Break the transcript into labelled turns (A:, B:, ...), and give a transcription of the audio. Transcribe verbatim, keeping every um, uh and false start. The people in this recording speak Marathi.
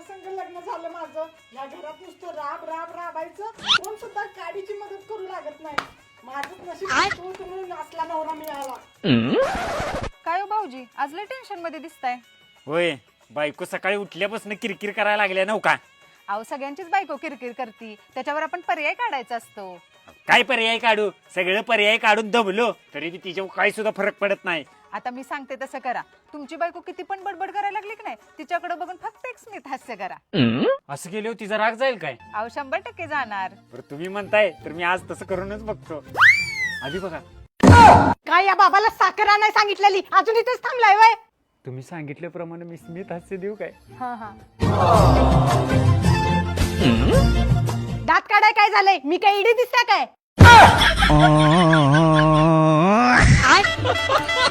A: ज्याच्या संग लग्न झालं माझं या घरात नुसतं राब राब राबायचं, कोण सुद्धा काडीची मदत करू लागत नाही. माझंच नशीब तू तुम्ही असला नवरा मिळाला.
B: काय हो भाऊजी, आज लय टेन्शन मध्ये दिसताय.
C: होय, बायको सकाळी उठल्यापासून किरकिर करायला लागल्या नव का?
B: अहो सगळ्यांचीच बायको किरकिर करती, त्याच्यावर आपण पर्याय काढायचा असतो.
C: काय पर्याय काढू? सगळं पर्याय काढून दमलो तरी बी तिच्यावर काही सुद्धा फरक पडत नाही.
B: आता मी सांगते तसं करा. तुमची बायको किती पण बडबड करायला लागली की नाही, तिच्याकडे बघून फक्त एक स्मित हास्य करा.
C: असं केल्यावर तिचा राग जाईल काय?
B: अहो शंभर टक्के जाणार.
C: बरं तुम्ही म्हणताय तर मी आज तसं करूनच बघतो. आधी बघा,
A: काय या बाबाला साखर आणाय सांगितलेली, अजून इथेच थांबलाय वय?
C: तुम्ही सांगितल्याप्रमाणे मी स्मित हास्य देऊ काय?
B: हा हा.
A: दात काढाय काय झालंय? मी काय इडी दिसता काय?